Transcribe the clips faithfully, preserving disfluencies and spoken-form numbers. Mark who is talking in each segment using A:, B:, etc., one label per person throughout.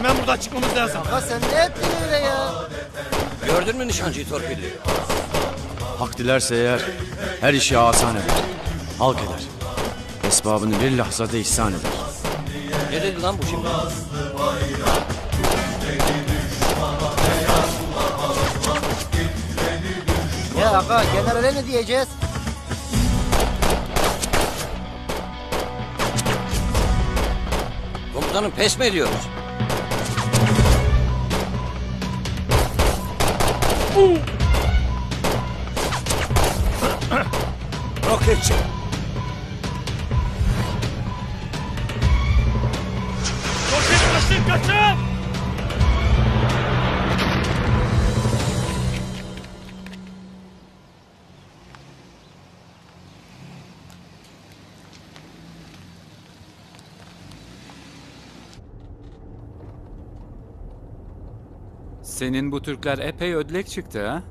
A: Hemen buradan çıkmamız lazım.
B: Ha sen ne ettin öyle ya?
C: Gördün mü nişancıyı torpili?
D: Hak dilerse eğer her işi asan eder. Halk eder. Esbabını bir lahzada ihsan eder.
C: Ne dedi lan bu şimdi?
B: Ya aga generale ne diyeceğiz?
C: Komutanım pes mi ediyoruz? Roketçi.
A: Roket kaçın kaçın.
E: Senin bu Türkler epey ödlek çıktı ha?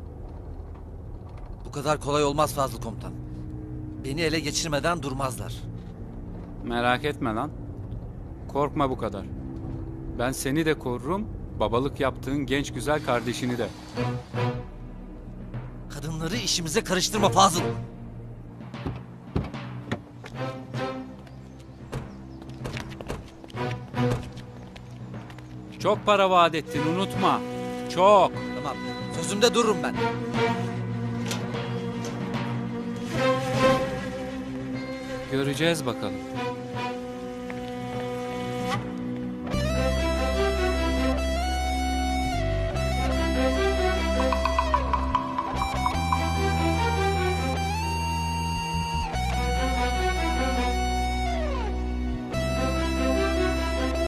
C: Bu kadar kolay olmaz Fazıl Komutan. Beni ele geçirmeden durmazlar.
E: Merak etme lan. Korkma bu kadar. Ben seni de korurum, babalık yaptığın genç güzel kardeşini de.
C: Kadınları işimize karıştırma Fazıl.
E: Çok para vaat ettin, unutma. Çok.
C: Tamam, sözümde dururum ben.
E: Göreceğiz bakalım.